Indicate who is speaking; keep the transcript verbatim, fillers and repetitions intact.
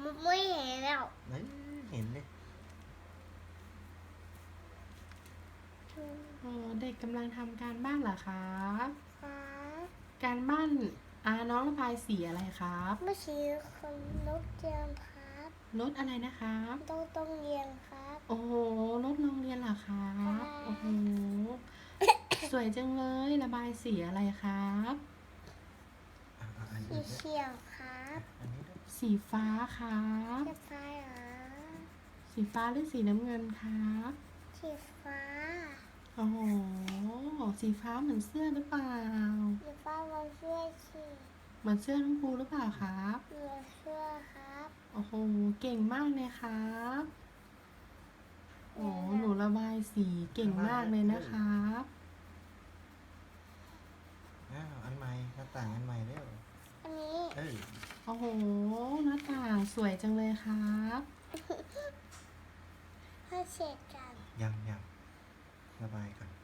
Speaker 1: ไม่เห็นแล้ว
Speaker 2: นั่นเห็นเลย
Speaker 3: อ๋อเด็กกำลังทำการบ้านเหรอครับ
Speaker 1: ครับ
Speaker 3: การบ้านอ่าน้องระบายสีอะไรครับ
Speaker 1: ไม่ใช่คนนกเจียมครับ
Speaker 3: รถอะไรนะครับ
Speaker 1: ต้องต้องเรียนครับ
Speaker 3: โอ้โหรถโรงเรียนเหรอครับ โอ้โห สวยจังเลยระบายสีอะไรครับ
Speaker 2: อ่ะอ่ะอัน
Speaker 1: สี
Speaker 2: นี้ด้วย
Speaker 1: เขียวครับ
Speaker 2: อันนี้ด้วย
Speaker 3: สีฟ้าครับ
Speaker 1: สีฟ้าเหรอ
Speaker 3: สีฟ้าหรือสีน้ำเงินครับ
Speaker 1: สีฟ้า
Speaker 3: โอ้โห สีฟ้าเหมือนเสื้อหรือเปล่า
Speaker 1: สีฟ้าเราเสื้อสี
Speaker 3: เหมือนเสื้อน้องภูหรือเปล่าครับ
Speaker 1: เหลือเสื้อครับ
Speaker 3: โอ้โห เก่งมากเลยครับ โอ้หนูระบายสีเก่งมากเลยนะครับ
Speaker 2: อ้าวอันใหม่หน้าต่างอันใหม่เร็ว
Speaker 1: อันนี้
Speaker 2: เอ้ย
Speaker 3: โอ้โห หน้าต่างสวยจังเลยครับ
Speaker 1: ให้เสร็จกัน
Speaker 2: ยังยังระบายก่อน